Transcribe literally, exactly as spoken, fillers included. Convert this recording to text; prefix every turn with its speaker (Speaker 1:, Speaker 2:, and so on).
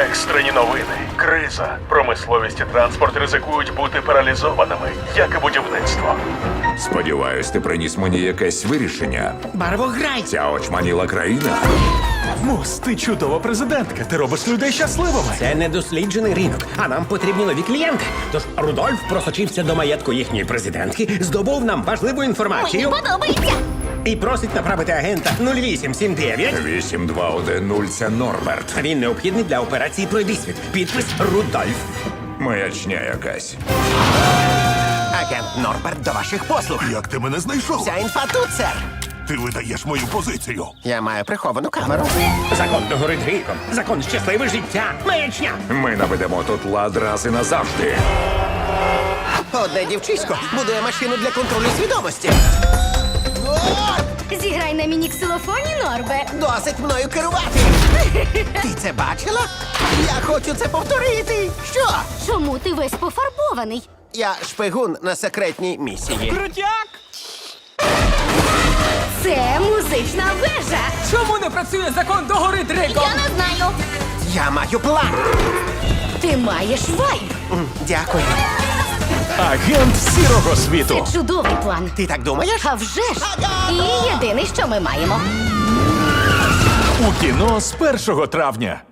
Speaker 1: Екстрені новини, криза, промисловість і транспорт ризикують бути паралізованими, як і будівництво.
Speaker 2: Сподіваюсь, ти приніс мені якесь вирішення.
Speaker 3: Барвограй!
Speaker 2: Ця очманіла країна.
Speaker 4: Мус, ти чудова президентка. Ти робиш людей щасливими.
Speaker 3: Це недосліджений ринок, а нам потрібні нові клієнти. Тож Рудольф просочився до маєтку їхньої президентки, здобув нам важливу
Speaker 5: Мені
Speaker 3: інформацію
Speaker 5: подобається.
Speaker 3: і просить направити агента нуль вісім сім дев'ять.
Speaker 2: вісім два один нуль – це Норберт.
Speaker 3: Він необхідний для операції «Пройдисвіт». Підпис Рудольф.
Speaker 2: Маячня якась.
Speaker 6: Агент Норберт до ваших послуг.
Speaker 7: Як ти мене знайшов?
Speaker 6: Вся інфа тут, сер.
Speaker 7: Ти видаєш мою позицію.
Speaker 6: Я маю приховану камеру.
Speaker 3: Закон догорить гріхом. Закон щасливе життя. Маячня.
Speaker 2: Ми наведемо тут лад раз і назавжди.
Speaker 6: Одне дівчисько будує машину для контролю свідомості.
Speaker 5: Зіграй на міні-ксилофоні, Норбе.
Speaker 6: Досить мною керувати. Ти це бачила? Я хочу це повторити. Що?
Speaker 5: Чому ти весь пофарбований?
Speaker 6: Я шпигун на секретній місії.
Speaker 5: Це музична вежа.
Speaker 8: Чому не працює закон догори дриком?
Speaker 5: Я не знаю.
Speaker 6: Я маю план.
Speaker 5: Ти маєш вайб.
Speaker 6: М, Дякую.
Speaker 4: Агент сірого світу.
Speaker 5: Це чудовий план.
Speaker 6: Ти так думаєш?
Speaker 5: А вже ж. І єдине, що ми маємо.
Speaker 4: У кіно з першого травня.